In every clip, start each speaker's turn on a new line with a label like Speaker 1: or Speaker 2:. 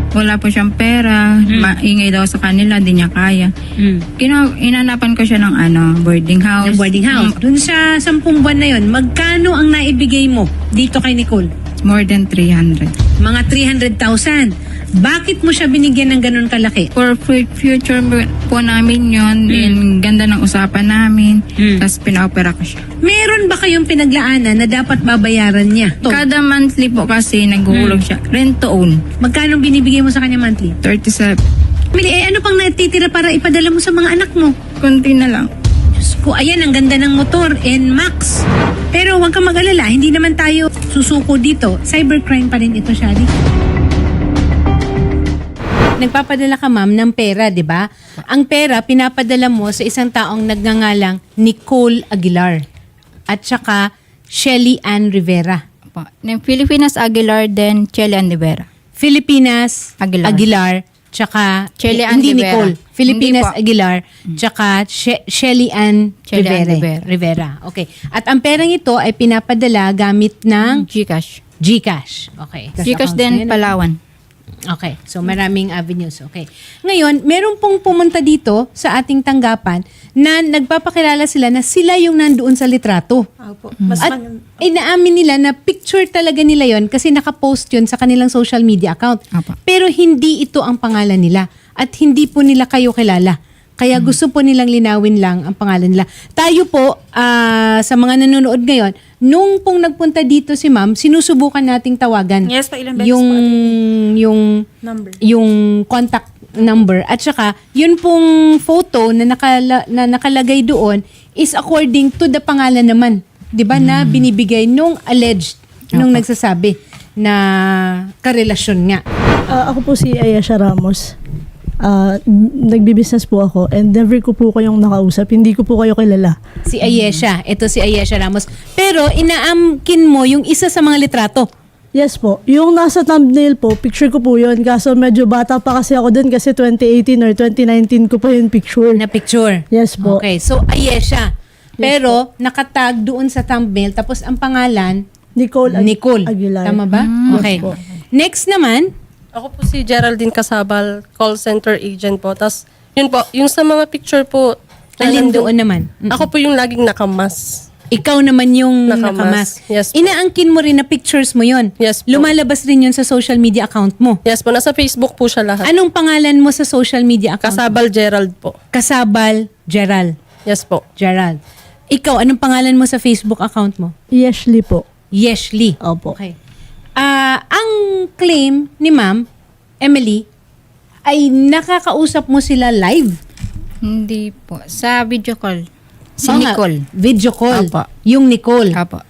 Speaker 1: wala po siyang pera, maingay daw sa kanila, di niya kaya. Inanapan ko siya ng boarding house.
Speaker 2: Ng boarding house. Dun sa 10 buwan na yon, magkano ang naibigay mo dito kay Nicole?
Speaker 1: More than 300.
Speaker 2: Mga 300,000. Bakit mo siya binigyan ng ganun kalaki?
Speaker 1: For future po namin yun, din ganda ng usapan namin, tapos pina-opera ko siya.
Speaker 2: Meron ba kayong pinaglaanan na dapat babayaran niya?
Speaker 1: Kada monthly po kasi naghuhulog siya, rent to own,
Speaker 2: Magkano binibigay mo sa kanya monthly?
Speaker 1: 37.
Speaker 2: Mili, ano pang natitira para ipadala mo sa mga anak mo?
Speaker 1: Kunti na lang.
Speaker 2: Diyos ko, ayan, ang ganda ng motor, NMAX. Pero huwag kang mag-alala, hindi naman tayo susuko dito. Cybercrime pa rin ito, Shari. Nagpapadala ka, ma'am, ng pera, di ba? Ang pera, pinapadala mo sa isang taong nagngangalang Nicole Aguilar at saka Shelly Ann Rivera.
Speaker 1: Po. Ng Filipinas Aguilar, then Chelly Andivera.
Speaker 2: Filipinas
Speaker 1: Aguilar.
Speaker 2: Aguilar tsaka
Speaker 1: Shelly Ann
Speaker 2: hindi
Speaker 1: Rivera.
Speaker 2: Nicole. Filipinas
Speaker 1: Hindi po.
Speaker 2: Aguilar tsaka Shelly Ann
Speaker 1: Shelly Ann
Speaker 2: Rivera.
Speaker 1: Rivera.
Speaker 2: Okay. At ang perang ito ay pinapadala gamit ng
Speaker 1: Gcash.
Speaker 2: GCash. Okay.
Speaker 1: Gcash din, Palawan.
Speaker 2: Okay. So maraming avenues. Okay. Ngayon, meron pong pumunta dito sa ating tanggapan na nagpapakilala sila na sila yung nandoon sa litrato.
Speaker 3: Opo.
Speaker 2: At inaamin nila na picture talaga nila yon kasi nakapost yun sa kanilang social media account.
Speaker 1: Apa.
Speaker 2: Pero hindi ito ang pangalan nila at hindi po nila kayo kilala. Kaya gusto po nilang linawin lang ang pangalan nila. Tayo po, sa mga nanonood ngayon, nung pong nagpunta dito si ma'am, sinusubukan nating tawagan.
Speaker 3: Yes, pa ilang beses
Speaker 2: yung,
Speaker 3: po,
Speaker 2: yung,
Speaker 3: number.
Speaker 2: yung contact number. At saka, yun pong photo na, nakalagay doon is according to the pangalan naman. 'Di ba na binibigay nung alleged, nung nagsasabi na karelasyon nga.
Speaker 4: Ako po si Ayesha Ramos. Nagbi-business po ako and never ko po kayong nakausap. Hindi ko po kayo kilala.
Speaker 2: Si Ayesha. Ito si Ayesha Ramos. Pero inaamkin mo yung isa sa mga litrato.
Speaker 4: Yes po. Yung nasa thumbnail po, picture ko po yun. Kaso medyo bata pa kasi ako dun kasi 2018 or 2019 ko pa yung picture.
Speaker 2: Na picture.
Speaker 4: Yes po.
Speaker 2: Okay. So Ayesha. Pero nakatag doon sa thumbnail tapos ang pangalan
Speaker 4: Nicole
Speaker 2: Aguilar. Tama ba? Okay.
Speaker 4: Yes po.
Speaker 2: Next naman,
Speaker 5: Ako po si Geraldine Casabal, call center agent po. Tapos, yun po, yung sa mga picture po,
Speaker 2: alin doon naman?
Speaker 5: ako po yung laging nakamas.
Speaker 2: Ikaw naman yung
Speaker 5: Nakamas.
Speaker 2: nakamas.
Speaker 5: Yes po.
Speaker 2: Inaangkin mo rin na pictures mo yon.
Speaker 5: Yes po.
Speaker 2: Lumalabas rin yun sa social media account mo.
Speaker 5: Yes po, nasa Facebook po siya lahat.
Speaker 2: Anong pangalan mo sa social media account?
Speaker 5: Casabal Gerald po.
Speaker 2: Kasabal Gerald.
Speaker 5: Yes po.
Speaker 2: Gerald. Ikaw, anong pangalan mo sa Facebook account mo?
Speaker 4: Yeshli po.
Speaker 2: Yeshli.
Speaker 4: Opo.
Speaker 2: Okay. Ang claim ni Ma'am Emily ay nakakausap mo sila live.
Speaker 1: Hindi po. Sa video call. Si
Speaker 2: Oo nga,
Speaker 1: Nicole.
Speaker 2: Video call.
Speaker 1: Apo.
Speaker 2: Yung Nicole.
Speaker 1: Apo.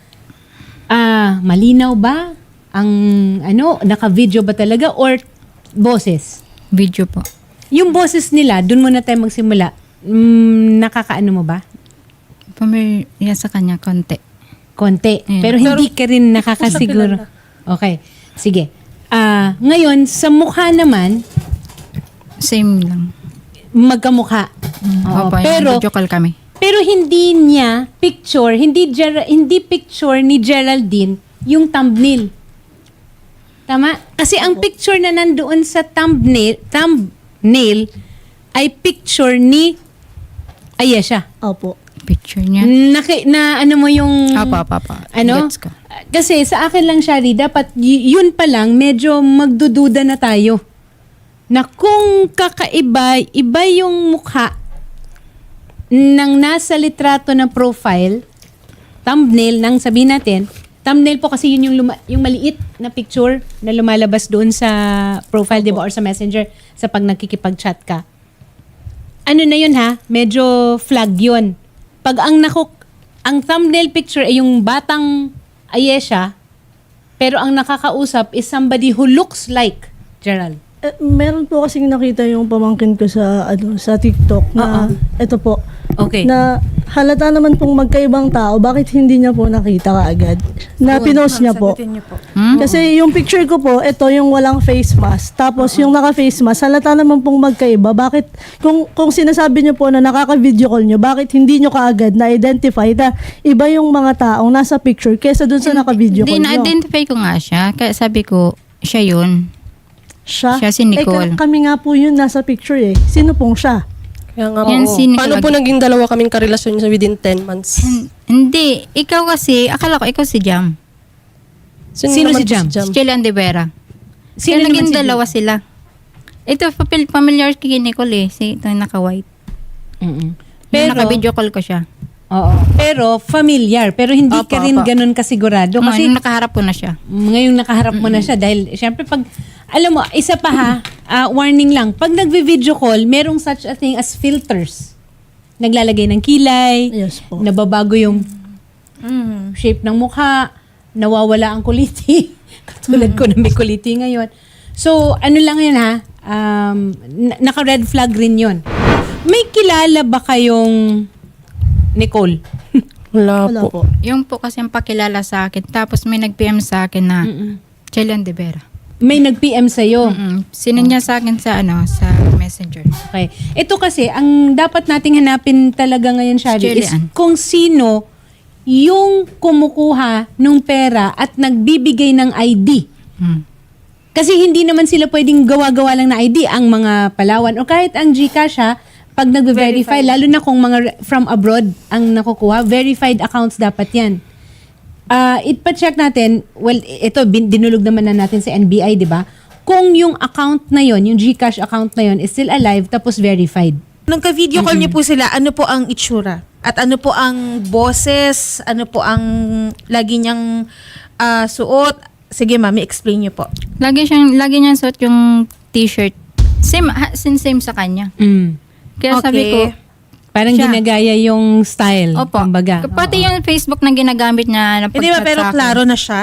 Speaker 2: Malinaw ba? Ang naka-video ba talaga or boses?
Speaker 1: Video po.
Speaker 2: Yung boses nila, dun muna tayo magsimula. Nakakaano mo ba?
Speaker 1: Pamilya sa kanya, konti.
Speaker 2: Konti.
Speaker 1: Mm.
Speaker 2: Pero hindi ka rin nakakasiguro. Okay. Sige. Ngayon, sa mukha naman,
Speaker 1: Same lang.
Speaker 2: magkamukha. Oo,
Speaker 1: Opo, yung
Speaker 2: pero
Speaker 1: video call kami.
Speaker 2: pero hindi niya picture, hindi picture ni Geraldine yung thumbnail. Tama? Kasi ang picture na nandoon sa thumbnail ay picture ni Ayesha.
Speaker 4: Opo.
Speaker 1: Picture niya.
Speaker 2: Ano mo yung
Speaker 1: Apo.
Speaker 2: ano?
Speaker 1: Gets ko.
Speaker 2: Kasi sa akin lang, Shari, dapat yun pa lang, medyo magdududa na tayo. Na kung kakaiba, iba yung mukha ng nasa litrato na profile, thumbnail, nang sabihin natin, thumbnail po kasi yun yung maliit na picture na lumalabas doon sa profile, di ba, or sa messenger, sa pag nakikipag-chat ka. Ano na yun ha? Medyo flag yun. Pag ang thumbnail picture ay yung batang Ayesha, pero ang nakakausap is somebody who looks like Gerald.
Speaker 4: Meron po kasing nakita yung pamangkin ko sa TikTok na ito po.
Speaker 2: Okay.
Speaker 4: Na halata naman pong magkaibang tao, bakit hindi niya po nakita kaagad? Na pinost niya po.
Speaker 3: Sagutin niyo po.
Speaker 4: Kasi yung picture ko po, ito yung walang face mask. Tapos yung naka-face mask, halata naman pong magkaiba. Bakit, kung sinasabi niyo po na nakaka-video call niyo, bakit hindi niyo kaagad na-identify na iba yung mga taong nasa picture kesa dun sa naka-video call
Speaker 1: Hindi,
Speaker 4: niyo?
Speaker 1: na-identify ko nga siya. Kaya sabi ko, siya yun.
Speaker 4: Siya?
Speaker 1: Siya si Nicole.
Speaker 4: Kami nga po yun nasa picture eh. Sino pong siya?
Speaker 5: Kaya nga
Speaker 1: Yan
Speaker 5: po.
Speaker 1: si Nicole.
Speaker 5: Paano po naging dalawa kaming karelasyon within 10 months?
Speaker 1: Hindi. Ikaw kasi, akala ko ikaw si Jam.
Speaker 2: Sino
Speaker 5: naman
Speaker 2: si
Speaker 5: po
Speaker 2: Jam?
Speaker 1: Si Chilian de Vera.
Speaker 2: Sino
Speaker 1: Kaya
Speaker 2: naman
Speaker 1: naging
Speaker 2: si
Speaker 1: dalawa sila. Ito, familiar kay Nicole eh. Si ito yung naka-white.
Speaker 2: Mm-mm.
Speaker 1: Pero, naka-video call ko siya.
Speaker 2: Oo. Pero familiar. Pero hindi
Speaker 1: Opo,
Speaker 2: ka rin
Speaker 1: opo.
Speaker 2: ganun kasigurado. Kasi
Speaker 1: Kasi nakaharap ko na siya.
Speaker 2: ngayong nakaharap mo na siya dahil syempre pag alam mo, isa pa ha, warning lang. Pag nagvi-video call, merong such a thing as filters. Naglalagay ng kilay,
Speaker 4: Yes po.
Speaker 2: nababago yung shape ng mukha, nawawala ang kuliti. Katulad ko na may kuliti ngayon. So, ano lang yun ha, naka-red flag rin yun. May kilala ba kayong Nicole?
Speaker 5: Wala,
Speaker 4: Wala
Speaker 5: po.
Speaker 4: po.
Speaker 1: Yung po kasi ang pakilala sa akin. Tapos may nag-PM sa akin na Chilian de Vera.
Speaker 2: May nag-PM sa'yo.
Speaker 1: Sinanya sa akin sa sa messenger.
Speaker 2: Okay. Ito kasi, ang dapat nating hanapin talaga ngayon, Shari, is
Speaker 1: Julian.
Speaker 2: kung sino yung kumukuha ng pera at nagbibigay ng ID.
Speaker 1: Hmm.
Speaker 2: Kasi hindi naman sila pwedeng gawa-gawa lang na ID ang mga Palawan o kahit ang GCash ha, pag nagbe-verify, lalo na kung mga from abroad ang nakukuha, verified accounts dapat yan. Ipa-check natin, well, ito, dinulog naman na natin sa NBI, di ba? Kung yung account na yon, yung GCash account na yon is still alive tapos verified.
Speaker 3: Nung ka-video call niyo po sila, ano po ang itsura? At ano po ang boses? Ano po ang lagi niyang suot? Sige, mami, explain niyo po.
Speaker 1: Lagi niyang suot yung t-shirt. Same sa kanya. Kaya sabi ko,
Speaker 2: Parang
Speaker 1: Siya.
Speaker 2: ginagaya yung style.
Speaker 1: opo.
Speaker 2: Kumbaga.
Speaker 1: Pati yung Facebook na ginagamit niya na
Speaker 3: Hindi ba,
Speaker 1: pag-chat
Speaker 3: pero
Speaker 1: sa akin.
Speaker 3: klaro na siya?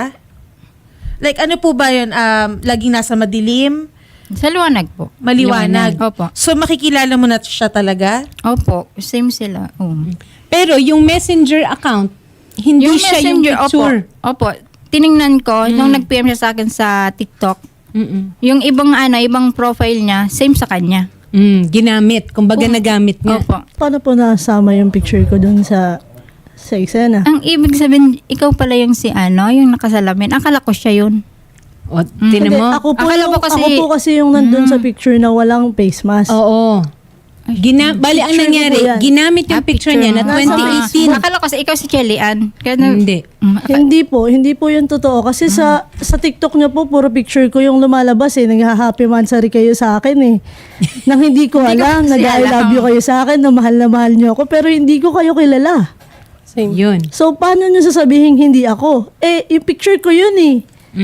Speaker 3: Like, ano po ba yun? Laging nasa madilim?
Speaker 1: Sa liwanag po.
Speaker 3: Maliwanag?
Speaker 1: Opo.
Speaker 3: So, makikilala mo na siya talaga?
Speaker 1: Opo. Same sila.
Speaker 2: Pero yung messenger account, hindi siya yung picture.
Speaker 1: Opo. Tiningnan ko, nung nag-PM siya sa akin sa TikTok,
Speaker 2: Mm-mm.
Speaker 1: yung ibang profile niya, same sa kanya.
Speaker 2: Ginamit. Kumbaga nagamit nga.
Speaker 1: Opo.
Speaker 4: Paano po nasama yung picture ko dun sa eksena?
Speaker 1: Ang ibig sabihin, ikaw pala yung yung nakasalamin. Akala ko siya yun.
Speaker 2: O, tinan
Speaker 4: Hindi,
Speaker 2: mo.
Speaker 4: ako
Speaker 1: Akala ko kasi-
Speaker 4: yung nandun sa picture na walang face mask.
Speaker 2: Oo. Bali, ang
Speaker 4: Picture
Speaker 2: nangyari,
Speaker 4: ko po yan.
Speaker 2: ginamit yung picture niya na
Speaker 1: mo.
Speaker 2: 2018.
Speaker 1: Akala ko kasi ikaw si Chelly-Ann. Kaya
Speaker 2: Hindi.
Speaker 4: Hindi po yun totoo. Kasi sa TikTok niya po, puro picture ko yung lumalabas eh. Nag-happy mansari kayo sa akin eh. Nang hindi ko
Speaker 1: Hindi ko
Speaker 4: alam,
Speaker 1: kasi
Speaker 4: nag-I love you
Speaker 1: alam.
Speaker 4: kayo sa akin, na mahal niyo ako, pero hindi ko kayo kilala.
Speaker 5: Same.
Speaker 2: Yun.
Speaker 4: So, paano niyo sasabihin hindi ako? Eh, yung picture ko yun eh.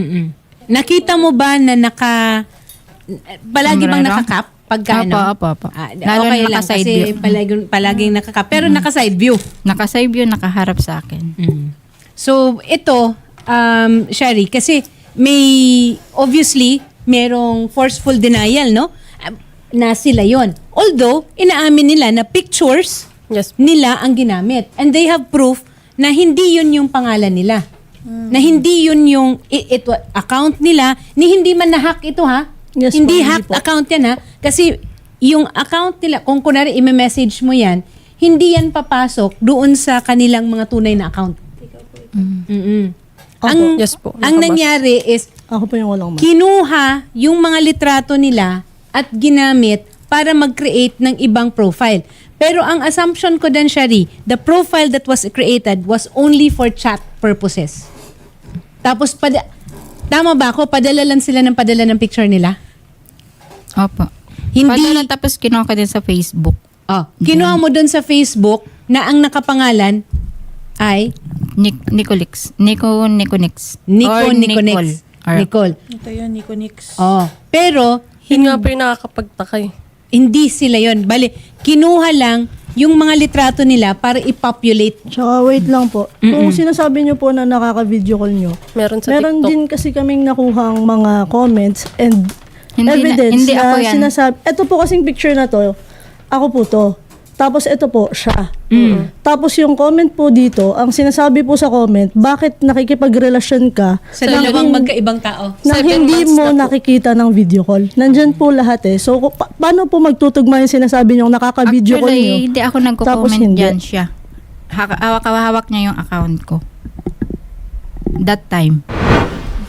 Speaker 2: Nakita mo ba na palagi bang
Speaker 1: Sombrero?
Speaker 2: nakakap? Pagka
Speaker 1: Opo.
Speaker 2: okay
Speaker 1: Lalo na
Speaker 2: lang
Speaker 1: naka-side
Speaker 2: kasi
Speaker 1: view.
Speaker 2: palaging nakakap. Pero naka-side view.
Speaker 1: Naka-side view, nakaharap sa akin.
Speaker 2: So, ito, Shari, kasi obviously, merong forceful denial, no? Na sila yon. Although, inaamin nila na pictures
Speaker 5: Yes.
Speaker 2: nila ang ginamit. And they have proof na hindi yun yung pangalan nila. Na hindi yun yung ito, account nila, ni hindi man na-hack ito ha.
Speaker 4: Yes
Speaker 2: Hindi
Speaker 4: po,
Speaker 2: hacked
Speaker 4: po.
Speaker 2: account yan ha. Kasi yung account nila, kung kunwari i-message mo yan, hindi yan papasok doon sa kanilang mga tunay na account. Mm-mm. Ang,
Speaker 5: Yes po.
Speaker 2: ang
Speaker 5: Nakabas.
Speaker 2: nangyari is,
Speaker 4: Ako po yung walang mask.
Speaker 2: kinuha yung mga litrato nila at ginamit para mag-create ng ibang profile. Pero ang assumption ko din, Shari, the profile that was created was only for chat purposes. Tapos, tama ba ako? Padala lang sila ng padala ng picture nila?
Speaker 1: Opo.
Speaker 2: Hindi.
Speaker 1: Padala, tapos kinuha ko din sa Facebook.
Speaker 2: Kinuha mo dun sa Facebook na ang nakapangalan ay
Speaker 1: Nicolix. Niconix.
Speaker 2: Niconex.
Speaker 1: Or
Speaker 2: Nicole.
Speaker 3: Ito yun, Nico Nix.
Speaker 2: Pero,
Speaker 5: Yun nga po yung nakakapagtaka eh.
Speaker 2: hindi sila yon. Bali, kinuha lang yung mga litrato nila para i-populate.
Speaker 4: Tsaka wait lang po. Kung sinasabi niyo po na nakaka-video call niyo,
Speaker 5: Meron sa
Speaker 4: meron
Speaker 5: TikTok.
Speaker 4: din kasi kaming nakuhang mga comments and
Speaker 1: Hindi
Speaker 4: evidence
Speaker 1: hindi ako
Speaker 4: na
Speaker 1: yan.
Speaker 4: sinasabi. Ito po kasing picture na to, ako po to. Tapos ito po, siya. Tapos yung comment po dito, ang sinasabi po sa comment, bakit nakikipagrelasyon ka
Speaker 2: Sa
Speaker 4: nang
Speaker 2: dalawang
Speaker 4: hin-
Speaker 2: magkaibang tao.
Speaker 4: nang
Speaker 5: 7
Speaker 4: hindi
Speaker 5: months
Speaker 4: mo
Speaker 5: na po.
Speaker 4: nakikita ng video call. Nandyan po lahat eh. So, paano po magtutugma yung sinasabi niyong nakaka-video call niyo?
Speaker 1: Actually, hindi ako
Speaker 4: Tapos
Speaker 1: nagko-comment
Speaker 4: hindi.
Speaker 1: dyan siya. Hawak niya yung account ko. That time.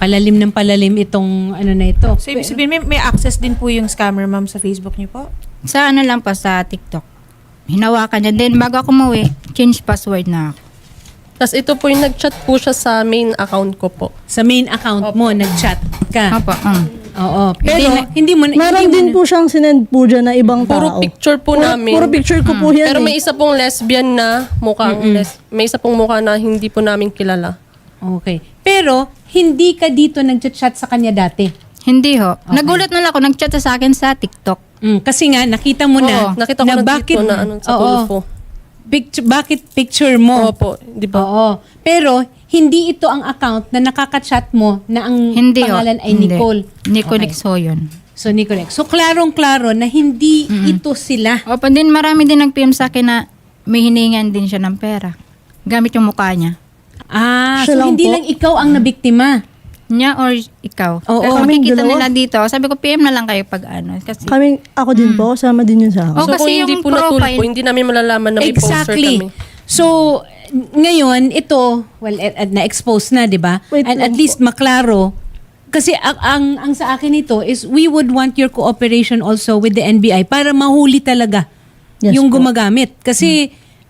Speaker 2: palalim ng palalim itong ano na ito.
Speaker 3: So, ibig sabihin, may access din po yung scammer, ma'am, sa Facebook niyo po?
Speaker 1: Sa ano lang po, sa TikTok. Hinawakan niya. Then bago ako umuwi, change password na ako.
Speaker 5: Tapos ito po yung nag-chat po siya sa main account ko po.
Speaker 2: Sa main account mo, nag-chat ka.
Speaker 1: Opo.
Speaker 2: Oo.
Speaker 4: Pero,
Speaker 2: hindi mo
Speaker 4: meron din po siyang sinend po dyan na ibang
Speaker 5: Puro
Speaker 4: tao.
Speaker 5: picture po namin.
Speaker 4: Puro picture ko po yan
Speaker 5: Pero
Speaker 4: eh.
Speaker 5: may isa pong lesbian na may isa pong mukha na hindi po namin kilala.
Speaker 2: Okay. Pero, hindi ka dito nag-chat sa kanya dati.
Speaker 1: Hindi ho. Nagulat na lang ako, nag-chat sa akin sa TikTok.
Speaker 2: Kasi nga, nakita mo na,
Speaker 5: Oo, nakita ko na
Speaker 2: bakit,
Speaker 5: dito na sa
Speaker 2: oo,
Speaker 5: Tulfo.
Speaker 2: bakit picture mo?
Speaker 5: Opo, di ba?
Speaker 2: Oo. Pero, hindi ito ang account na nakaka-chat mo na ang
Speaker 1: Hindi ho.
Speaker 2: pangalan ay
Speaker 1: Hindi.
Speaker 2: Nicole.
Speaker 1: Nicole
Speaker 2: Okay.
Speaker 1: so yun.
Speaker 2: So, Nicole. So, klarong-klaro na hindi ito sila.
Speaker 1: Opo, din marami din nag-PM sa akin na may hiningan din siya ng pera. Gamit yung mukha niya.
Speaker 2: So
Speaker 4: Siya lang
Speaker 2: hindi
Speaker 4: po?
Speaker 2: lang ikaw ang nabiktima.
Speaker 1: Niya or ikaw.
Speaker 2: Oo.
Speaker 1: Pero
Speaker 4: Kaming
Speaker 1: makikita
Speaker 4: dalawa.
Speaker 1: nila dito. Sabi ko, PM na lang kayo pag ano. Kasi,
Speaker 4: Ako din po, sama din yun sa akin.
Speaker 1: Oh,
Speaker 5: So
Speaker 1: kasi
Speaker 5: kung hindi
Speaker 1: yung
Speaker 5: po natulpo,
Speaker 1: profile-
Speaker 5: hindi namin malalaman na may poster kami.
Speaker 2: So, ngayon, ito, well, na-expose na, di ba?
Speaker 4: Wait
Speaker 2: And at
Speaker 4: lang
Speaker 2: least maklaro. Kasi ang sa akin ito is we would want your cooperation also with the NBI para mahuli talaga
Speaker 4: Yes
Speaker 2: yung
Speaker 4: po.
Speaker 2: gumagamit. Kasi,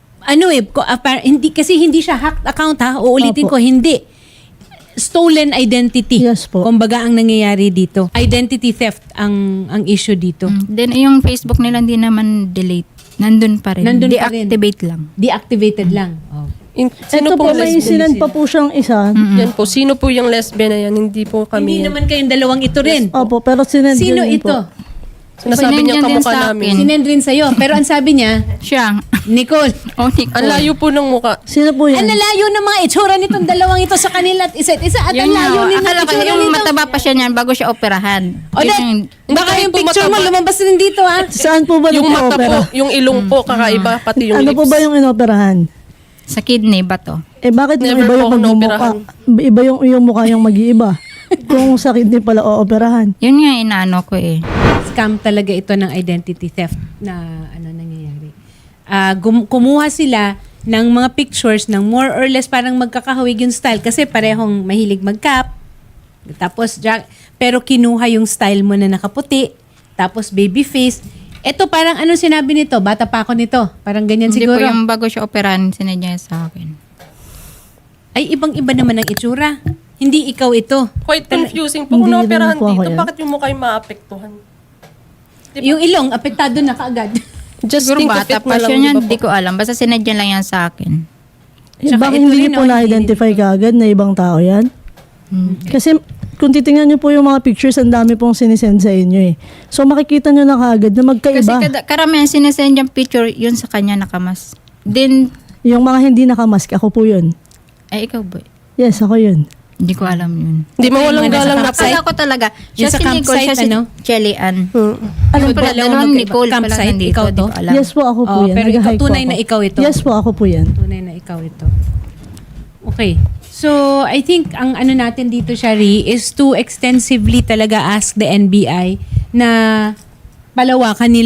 Speaker 2: hindi siya hacked account ha. Uulitin ko,
Speaker 4: Opo.
Speaker 2: hindi. Stolen identity.
Speaker 4: Yes po.
Speaker 2: Kumbaga ang nangyayari dito. Identity theft ang issue dito.
Speaker 1: then yung Facebook nila hindi naman delete. Nandun pa rin.
Speaker 2: Nandun pa rin.
Speaker 1: Deactivate lang.
Speaker 2: Deactivated lang. Oh.
Speaker 5: Sino
Speaker 4: Ito po,
Speaker 5: pong
Speaker 4: may
Speaker 5: lesbian?
Speaker 4: sinend pa po siyang isa.
Speaker 5: Yan po. Sino po yung lesbian na yan? Hindi po kami.
Speaker 2: Hindi
Speaker 5: yan.
Speaker 2: naman kayong dalawang ito rin.
Speaker 4: Opo, pero sinend
Speaker 2: Sino
Speaker 4: din
Speaker 2: ito?
Speaker 4: po.
Speaker 5: Sinasabi niya
Speaker 1: Sinend yan din
Speaker 5: kamukha
Speaker 1: sa
Speaker 5: namin.
Speaker 1: akin.
Speaker 2: Sinend rin sa'yo. Pero ang sabi niya,
Speaker 1: Siya.
Speaker 2: Nicole,
Speaker 1: Oh, Nicole.
Speaker 5: Ang layo po ng mukha.
Speaker 4: Sino po
Speaker 2: ang
Speaker 4: yan?
Speaker 2: lalayo ng mga itsura nitong dalawang ito sa kanila at isa't isa. At ang
Speaker 1: Yun nga,
Speaker 2: layo nila
Speaker 1: akala ko
Speaker 2: itsura
Speaker 1: yung
Speaker 2: nito.
Speaker 1: mataba pa siya niyan bago siya operahan.
Speaker 2: O,
Speaker 1: Yun
Speaker 2: Dad, baka
Speaker 5: kahit
Speaker 2: yung
Speaker 5: po
Speaker 2: picture mo
Speaker 5: mataba.
Speaker 2: lumabas din dito ha.
Speaker 4: Saan po ba
Speaker 5: Yung mata
Speaker 4: nagpa-opera?
Speaker 5: po, yung ilong po, kakaiba, pati yung
Speaker 4: Ano
Speaker 5: lips.
Speaker 4: po ba yung inoperahan?
Speaker 1: sa kidney ba to?
Speaker 4: Bakit yung
Speaker 5: Never
Speaker 4: iba
Speaker 5: po
Speaker 4: yung
Speaker 5: ako
Speaker 4: magmumukha?
Speaker 5: naoperahan.
Speaker 4: Iba yung mukha yung mag-iiba. Kung sa kidney pala ooperahan.
Speaker 1: Yun nga inaano ko eh.
Speaker 2: Scam talaga ito ng identity theft na nangyayari. Kumuha sila ng mga pictures ng more or less parang magkakahawig yung style kasi parehong mahilig mag-cap. Tapos, pero kinuha yung style mo na nakaputi. Tapos baby face. Ito parang anong sinabi nito? Bata pa ako nito. Parang ganyan
Speaker 1: Hindi
Speaker 2: siguro.
Speaker 1: po yung bago siya operahan, sinadya sa akin.
Speaker 2: Ay, ibang-iba naman ang itsura. Hindi ikaw ito.
Speaker 5: Quite confusing po. Kung
Speaker 4: Hindi
Speaker 5: naoperahan
Speaker 4: rin po ako
Speaker 5: dito,
Speaker 4: yan.
Speaker 5: bakit yung mukha yung maapektuhan?
Speaker 2: Yung ilong, apektado na kaagad.
Speaker 5: Just
Speaker 1: Siguro
Speaker 5: think of
Speaker 1: bata
Speaker 5: it
Speaker 1: pa
Speaker 5: na lang,
Speaker 1: siya
Speaker 5: di
Speaker 1: niyan,
Speaker 5: ba
Speaker 1: di
Speaker 5: po?
Speaker 1: ko alam. Basta sinadya lang yan sa akin.
Speaker 2: Tsaka
Speaker 4: Bakit
Speaker 2: ito
Speaker 4: hindi
Speaker 2: rin,
Speaker 4: niyo po
Speaker 2: oh,
Speaker 4: na-identify kaagad na ibang tao yan? Kasi kung titingnan niyo po yung mga pictures, ang dami pong sinisend sa inyo eh. So makikita niyo na kaagad na
Speaker 1: Kasi
Speaker 4: magkaiba.
Speaker 1: karamihan sinesend yung picture, yun sa kanya nakamas. Then,
Speaker 4: Yung mga hindi nakamask, ako po yun.
Speaker 1: ay ikaw boy.
Speaker 4: Yes, ako yun.
Speaker 1: Hindi ko alam yun.
Speaker 5: Di mawalang
Speaker 2: Yung nasa
Speaker 5: galang na
Speaker 2: campsite?
Speaker 1: Akala ko talaga,
Speaker 2: Yung
Speaker 1: siya
Speaker 2: sa
Speaker 1: si Nicole,
Speaker 2: campsite,
Speaker 1: siya si
Speaker 2: ano?
Speaker 1: Chelly Ann.
Speaker 4: Alam
Speaker 1: Yung
Speaker 4: po,
Speaker 1: pala, dalawang Nicole pala
Speaker 2: campsite,
Speaker 1: nandito,
Speaker 2: ikaw
Speaker 1: di
Speaker 2: to?
Speaker 1: ko alam.
Speaker 4: yes po, ako po
Speaker 2: Oh,
Speaker 4: yan.
Speaker 2: pero ikaw,
Speaker 4: Nag-hike po
Speaker 2: tunay
Speaker 4: ako.
Speaker 2: na ikaw ito?
Speaker 4: Yes po, ako po yan.
Speaker 2: Tunay na ikaw ito. Okay. So, I think ang ano natin dito, Shari, is to extensively talaga ask the NBI na palawakan nila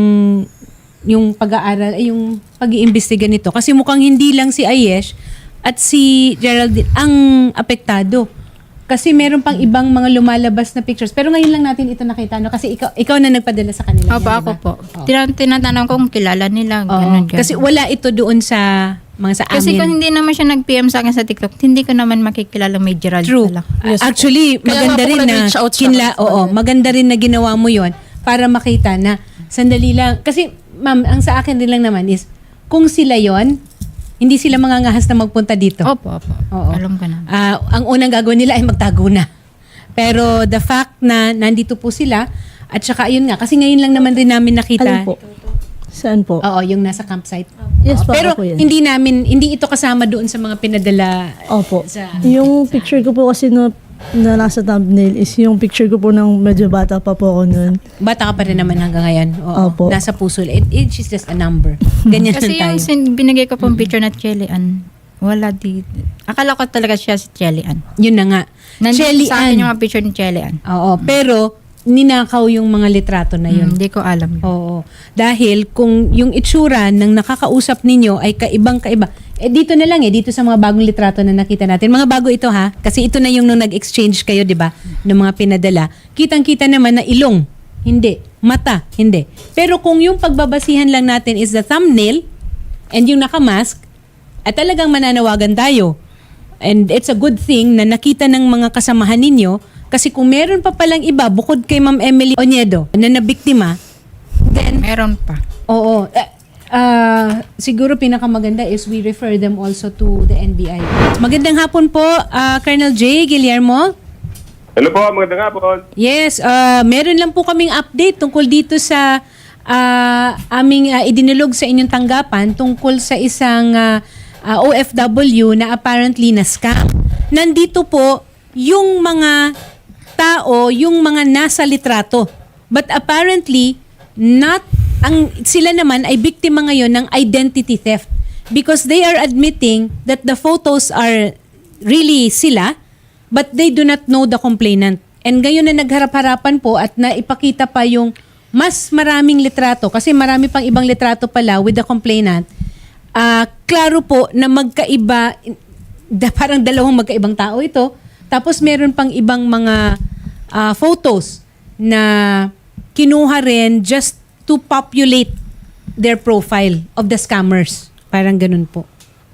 Speaker 2: yung pag-aaral, ay yung pag-iimbestiga nito. Kasi mukhang hindi lang si Ayesh at si Geraldine ang apektado. Kasi meron pang ibang mga lumalabas na pictures. Pero ngayon lang natin ito nakita, no? Kasi ikaw na nagpadala sa kanila.
Speaker 1: Opo,
Speaker 2: yan,
Speaker 1: ako
Speaker 2: diba?
Speaker 1: po. Tinatanong ko kung kilala nila.
Speaker 2: Oo.
Speaker 1: Ganun, ganun.
Speaker 2: Kasi wala ito doon sa mga sa amin.
Speaker 1: Kasi kung hindi naman siya nag-PM sa akin sa TikTok, hindi ko naman makikilala may Gerald
Speaker 2: True.
Speaker 1: pala.
Speaker 2: Actually,
Speaker 5: Kaya
Speaker 2: maganda
Speaker 5: nga po
Speaker 2: rin na
Speaker 5: nag-reach out siya.
Speaker 2: maganda rin na ginawa mo 'yon para makita na sandali lang kasi ma'am, ang sa akin din lang naman is kung sila 'yon, hindi sila mangangahas na magpunta dito.
Speaker 1: Opo.
Speaker 2: Oo.
Speaker 1: Alam ko na.
Speaker 2: Ang unang gagawin nila ay magtago na. Pero the fact na nandito po sila at saka ayun nga kasi ngayon lang naman rin namin nakita.
Speaker 4: Alin po? Saan po?
Speaker 2: Oo, yung nasa campsite.
Speaker 4: Yes po,
Speaker 2: Pero
Speaker 4: ako po yan.
Speaker 2: hindi ito kasama doon sa mga pinadala
Speaker 4: Opo.
Speaker 2: sa
Speaker 4: Yung picture ko po kasi na nasa thumbnail is yung picture ko po ng medyo bata pa po ako nun.
Speaker 2: Bata ka pa rin naman hanggang ngayon. Oo.
Speaker 4: Opo.
Speaker 2: Nasa puso. Age is just a number. Ganyan
Speaker 1: Kasi
Speaker 2: lang tayo.
Speaker 1: yung binigay ko pong picture na Chelly Ann, wala dito. Akala ko talaga siya si Chelly Ann.
Speaker 2: Yun na nga.
Speaker 1: Nandito
Speaker 2: Shelly
Speaker 1: sa akin
Speaker 2: Ann.
Speaker 1: yung mga picture ni Chelly Ann.
Speaker 2: Oo. Pero, ninakaw yung mga litrato na yun.
Speaker 1: Hindi ko alam yun.
Speaker 2: Oo. Dahil kung yung itsura ng nakakausap ninyo ay kaibang-kaiba, dito na lang dito sa mga bagong litrato na nakita natin. Mga bago ito ha, kasi ito na yung nung nag-exchange kayo, di ba, ng mga pinadala. Kitang-kita naman na ilong, hindi. Mata, hindi. Pero kung yung pagbabasihan lang natin is the thumbnail and yung nakamask, at talagang mananawagan tayo. And it's a good thing na nakita ng mga kasamahan ninyo kasi kung meron pa palang iba bukod kay Ma'am Emily Oniedo na nabiktima, then
Speaker 1: Meron pa.
Speaker 2: oo, siguro pinakamaganda is we refer them also to the NBI. Magandang hapon po, Colonel J. Guillermo.
Speaker 6: Hello po, magandang hapon.
Speaker 2: Yes, meron lang po kaming update tungkol dito sa aming idinulog sa inyong tanggapan tungkol sa isang OFW na apparently na scam. Nandito po yung mga tao, yung mga nasa litrato. But apparently, sila naman ay biktima ngayon ng identity theft because they are admitting that the photos are really sila but they do not know the complainant. And ngayon na nagharap-harapan po at naipakita pa yung mas maraming litrato kasi marami pang ibang litrato pala with the complainant. Klaro po na magkaiba, parang dalawang magkaibang tao ito. Tapos meron pang ibang mga photos na kinuha rin just to populate their profile of the scammers. Parang ganun po.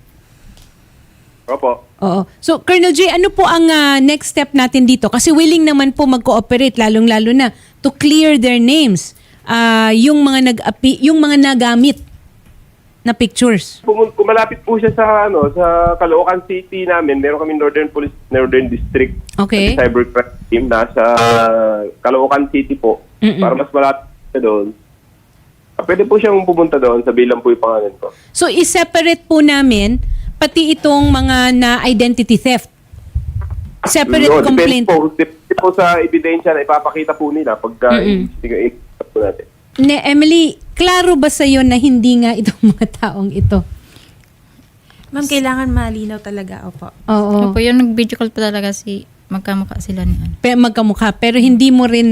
Speaker 6: Opo.
Speaker 2: Oo. So, Colonel J, ano po ang next step natin dito? Kasi willing naman po mag-cooperate, lalong-lalo na, to clear their names. Yung mga nagamit na pictures.
Speaker 6: Kumalapit po siya sa sa Caloocan City namin. Meron kami Northern District.
Speaker 2: Okay.
Speaker 6: Cybercrime team nasa Caloocan City po. Para mas malapit siya doon. Pwede po siyang pumunta doon, sabihin lang po yung pangalan ko.
Speaker 2: So, i-separate po namin pati itong mga na-identity theft. Separate
Speaker 6: No,
Speaker 2: complaint.
Speaker 6: Depende po sa ebidensya na ipapakita po nila pagka i-ikot po natin.
Speaker 2: Emily, klaro ba sa'yo na hindi nga itong mga taong ito?
Speaker 3: Ma'am, kailangan malinaw talaga. Opo.
Speaker 2: Oo.
Speaker 1: Opo, yung nag-video call pa talaga magkamukha sila ni ano.
Speaker 2: Magkamukha. Pero hindi mo rin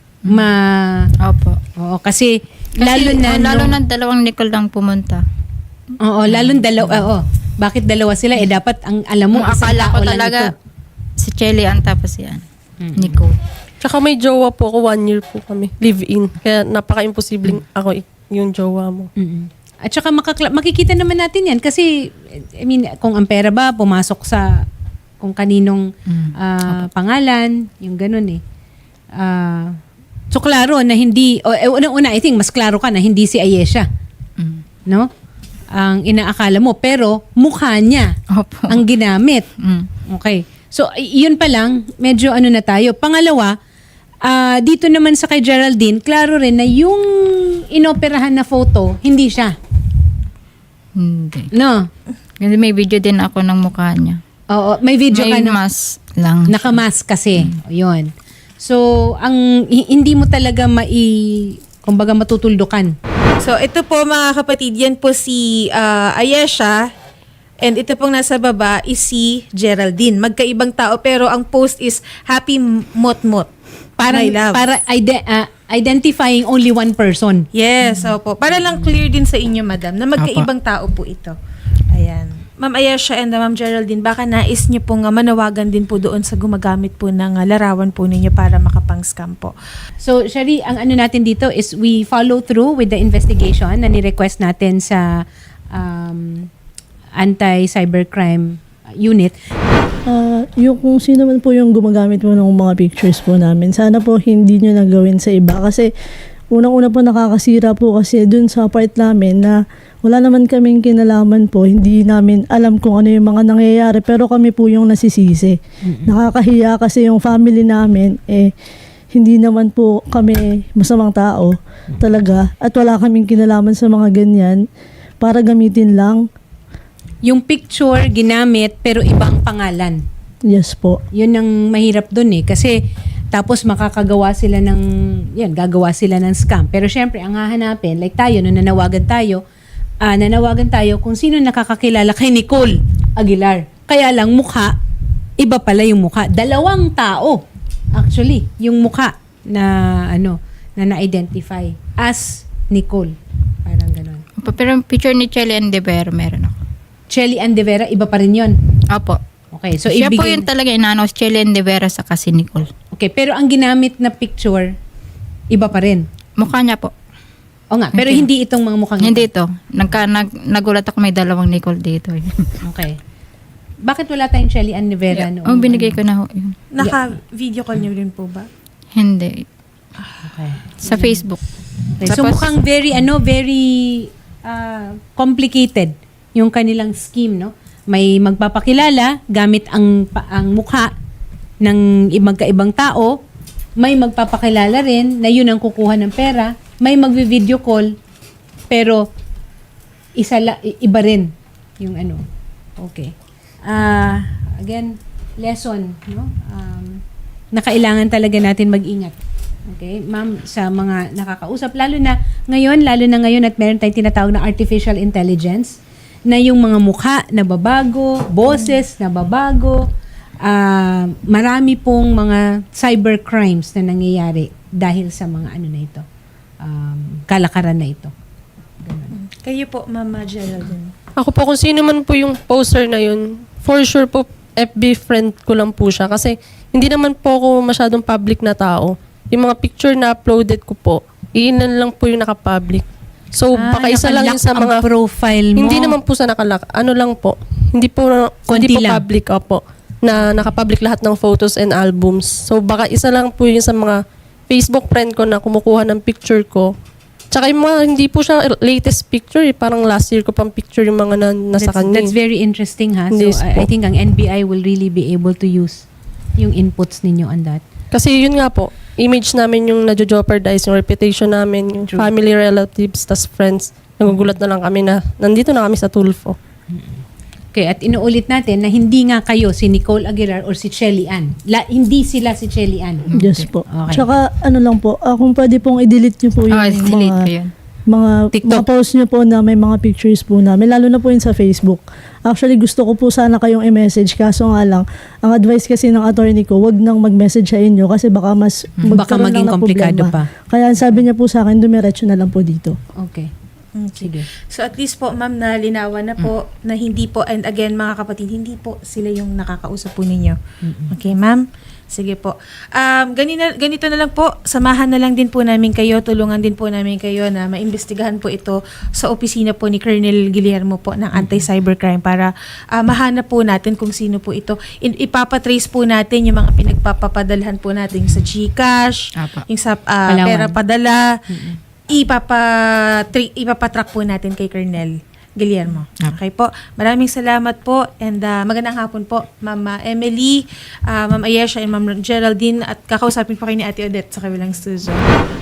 Speaker 1: Opo.
Speaker 2: Oo, kasi lalo na
Speaker 1: dalawang Nicole lang pumunta.
Speaker 2: Oo, lalong dalawa. Oo. Bakit dalawa sila? Dapat ang alam mo,
Speaker 1: Kung
Speaker 2: isang
Speaker 1: akala ko
Speaker 2: tao lang
Speaker 1: talaga
Speaker 2: ito.
Speaker 1: si Chelly ang tapos yan. Nicole.
Speaker 5: Tsaka may jowa po ako, 1 year po kami. Live-in. Kaya napaka-imposibleng ako yung jowa mo.
Speaker 2: Mm-mm. At saka makikita naman natin yan kasi, I mean, kung ang pera ba, pumasok sa kung kaninong pangalan, yung ganun eh. So, klaro na hindi, unang-una, I think, mas klaro ka na hindi si Ayesha. No? Ang inaakala mo. Pero, mukha niya
Speaker 1: Opo.
Speaker 2: ang ginamit. Okay. So, yun pa lang, medyo na tayo. Pangalawa, dito naman sa kay Geraldine, klaro rin na yung inoperahan na photo, hindi siya.
Speaker 1: Hindi.
Speaker 2: No?
Speaker 1: Kasi may video din ako ng mukha niya.
Speaker 2: Oo, may video ka
Speaker 1: May
Speaker 2: na.
Speaker 1: mask lang.
Speaker 2: Nakamask kasi. Yun. So, hindi mo talaga kumbaga matutuldukan.
Speaker 3: So, ito po mga kapatid, yan po si Ayesha. And ito pong nasa baba is si Geraldine. Magkaibang tao pero ang post is Happy Mot-Mot.
Speaker 2: Para
Speaker 3: My love.
Speaker 2: identifying only one person.
Speaker 3: Yes, opo. Para lang clear din sa inyo, madam, na magkaibang tao po ito. Ayan. Ma'am Ayesha and Ma'am Geraldine, baka nais niyo pong manawagan din po doon sa gumagamit po ng larawan po ninyo para makapang-scam po.
Speaker 2: So, Shari, ang ano natin dito is we follow through with the investigation na ni-request natin sa anti-cybercrime unit.
Speaker 4: Yung kung sino man po yung gumagamit po ng mga pictures po namin, sana po hindi nyo nagawin sa iba. Kasi unang-una po nakakasira po kasi dun sa part namin na wala naman kaming kinalaman po. Hindi namin alam kung ano yung mga nangyayari pero kami po yung nasisisi. Nakakahiya kasi yung family namin hindi naman po kami masamang tao talaga at wala kaming kinalaman sa mga ganyan para gamitin lang.
Speaker 2: Yung picture ginamit pero ibang pangalan.
Speaker 4: Yes po.
Speaker 2: Yun ang mahirap dun eh. Kasi tapos gagawa sila ng scam. Pero syempre, ang hahanapin, like tayo, nung nanawagan tayo kung sino nakakakilala kay Nicole Aguilar. Kaya lang mukha, iba pala yung mukha. Dalawang tao, actually, yung mukha na na-identify as Nicole. Parang ganun.
Speaker 1: Opo, pero yung picture ni Chelly Andevero meron ako.
Speaker 2: Chelly Andevera, iba pa rin yun.
Speaker 1: Opo.
Speaker 2: Okay, so
Speaker 1: Siya po
Speaker 2: ibigay...
Speaker 1: yung talaga inaano, Chelly Andevero sa kasi Nicole.
Speaker 2: Okay, pero ang ginamit na picture, iba pa rin.
Speaker 1: Mukha niya po.
Speaker 2: O nga, pero
Speaker 1: Okay.
Speaker 2: hindi itong mga mukhang
Speaker 1: Hindi ito. Nagulat ako may dalawang Nicole dito.
Speaker 2: Okay. Bakit wala tayong Chelly Andevera noon?
Speaker 1: Oh, binigay ko na ho yun.
Speaker 3: Naka-video call niyo rin po ba?
Speaker 1: Hindi.
Speaker 2: Okay.
Speaker 1: Sa Facebook.
Speaker 2: Okay, so
Speaker 1: Tapos-
Speaker 2: mukhang very complicated yung kanilang scheme, no? May magpapakilala gamit ang mukha ng magkaibang tao, may magpapakilala rin na yun ang kukuha ng pera, may magvi-video call, pero iba rin yung ano. Okay. Again, lesson, no? Na kailangan talaga natin mag-ingat. Okay, ma'am, sa mga nakakausap, lalo na ngayon at meron tayong tinatawag na artificial intelligence, na yung mga mukha na babago, boses na babago, marami pong mga cyber crimes na nangyayari dahil sa mga ano na ito, kalakaran na ito.
Speaker 3: Kayo po, Mama Geraldine.
Speaker 5: Ako po, kung sino man po yung poster na yun, for sure po, FB friend ko lang po siya. Kasi hindi naman po ako masyadong public na tao. Yung mga picture na uploaded ko po, iilan lang po yung nakapublic. So, baka isa lang yun sa
Speaker 2: nakalock ang
Speaker 5: mga...
Speaker 2: profile mo.
Speaker 5: Hindi naman po sa nakalak. Ano lang po. Hindi po
Speaker 2: Konti lang.
Speaker 5: public. Opo. Na nakapublic lahat ng photos and albums. So, baka isa lang po yun sa mga Facebook friend ko na kumukuha ng picture ko. Tsaka yung mga, hindi po siya latest picture. Parang last year ko pang picture yung mga nasa kanya.
Speaker 2: That's very interesting, ha?
Speaker 5: Yes
Speaker 2: So, I
Speaker 5: po.
Speaker 2: think ang NBI will really be able to use yung inputs ninyo on that.
Speaker 5: Kasi yun nga po, image namin yung na-jeopardize, yung reputation namin, yung
Speaker 2: True.
Speaker 5: family, relatives, tas friends. Nagugulat na lang kami na nandito na kami sa Tulfo.
Speaker 2: Okay, at inuulit natin na hindi nga kayo si Nicole Aguilar or si Chelly Ann. Hindi sila si Chelly Ann.
Speaker 4: Yes po.
Speaker 2: Okay.
Speaker 4: Tsaka ano lang po, kung pwede pong i-delete nyo po yung
Speaker 1: Delete ko yun.
Speaker 4: mga
Speaker 2: TikTok.
Speaker 4: post nyo po na may mga pictures po namin, lalo na po yun sa Facebook. Actually, gusto ko po sana kayong i-message, kaso nga lang, ang advice kasi ng attorney ko, wag nang mag-message sa inyo kasi baka mas
Speaker 2: Baka
Speaker 4: magkaroon
Speaker 2: maging
Speaker 4: lang ng
Speaker 2: komplikado
Speaker 4: problema.
Speaker 2: pa.
Speaker 4: Kaya ang sabi niya po sa akin, dumiretso na lang po dito.
Speaker 2: Okay. Sige.
Speaker 3: So at least po, ma'am, na linawan na po na hindi po, and again, mga kapatid, hindi po sila yung nakakausap po ninyo. Okay, ma'am? Sige po. Ganito na lang po, samahan na lang din po namin kayo, tulungan din po namin kayo na maimbestigahan po ito sa opisina po ni Colonel Guillermo po ng Anti-Cybercrime para mahanap po natin kung sino po ito. Ipapatrace po natin yung mga pinagpapapadalhan po natin sa GCash,
Speaker 1: Apa.
Speaker 3: yung sa
Speaker 2: Palawan.
Speaker 3: pera padala, ipapatrack po natin kay Colonel Guillermo. Okay po. Maraming salamat po and magandang hapon po, Ma'am Emily, Ma'am Ayesha and Ma'am Geraldine, at kakausapin po kayo ni Ate Odette sa kabilang studio.